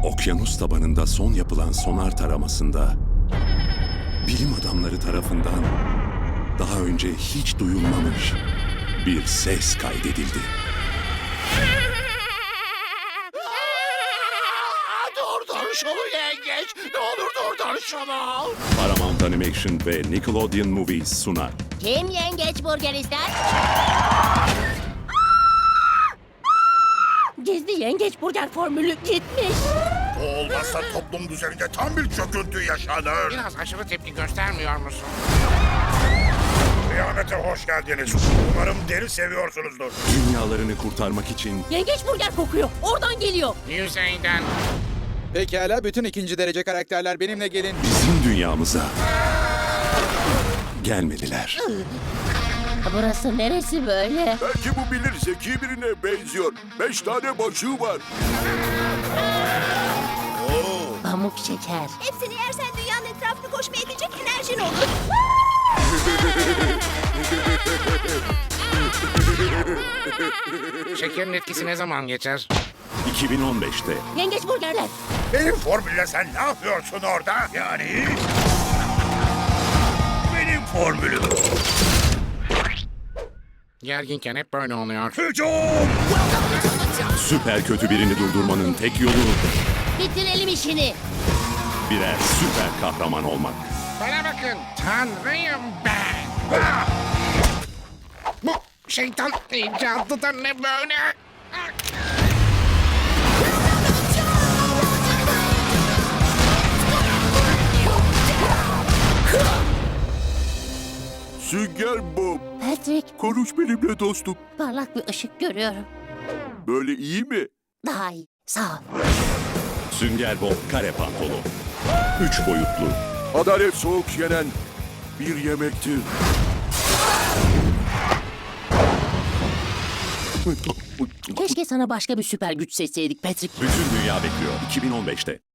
Okyanus tabanında son yapılan sonar taramasında bilim adamları tarafından daha önce hiç duyulmamış bir ses kaydedildi. Durdur şunu yengeç. Ne olur durdur şunu. Paramount Animation ve Nickelodeon Movies sunar. Kim yengeç burger ister? Gizli yengeç burger formülü gitmiş. Bu olmazsa toplum düzeninde tam bir çöküntü yaşanır. Biraz aşırı tepki göstermiyor musun? Kıyamete hoş geldiniz. Umarım deri seviyorsunuzdur. Dünyalarını kurtarmak için Yengeç burger kokuyor. Oradan geliyor. Yüzeyden. Pekala, bütün ikinci derece karakterler benimle gelin. bizim dünyamıza gelmediler. Burası neresi böyle? Belki bu bilir, zeki birine benziyor. 5 tane başığı var. Pamuk şeker. Hepsini yersen dünyanın etrafını koşmaya yetecek enerjin olur. Şekerin etkisi ne zaman geçer? 2015'te Yengeç burgerler. Benim formülle sen ne yapıyorsun orada? Yani... Benim formülüm. Gerginken hep böyle oluyor. Hücum! süper kötü birini durdurmanın tek yolu Bitirelim işini. birer süper kahraman olmak. Bana bakın. Tanrıyım ben. Ah! Bu şeytan icadı da ne böyle? Ah! Sünger Bob, Patrick, konuş benimle dostum. parlak bir ışık görüyorum. Böyle iyi mi? Daha iyi. Sağ ol. Sünger Bob kare pantolon. 3 boyutlu. Adalet soğuk yenen bir yemektir. Keşke sana başka bir süper güç seçseydik Patrick. Bütün dünya bekliyor 2015'te.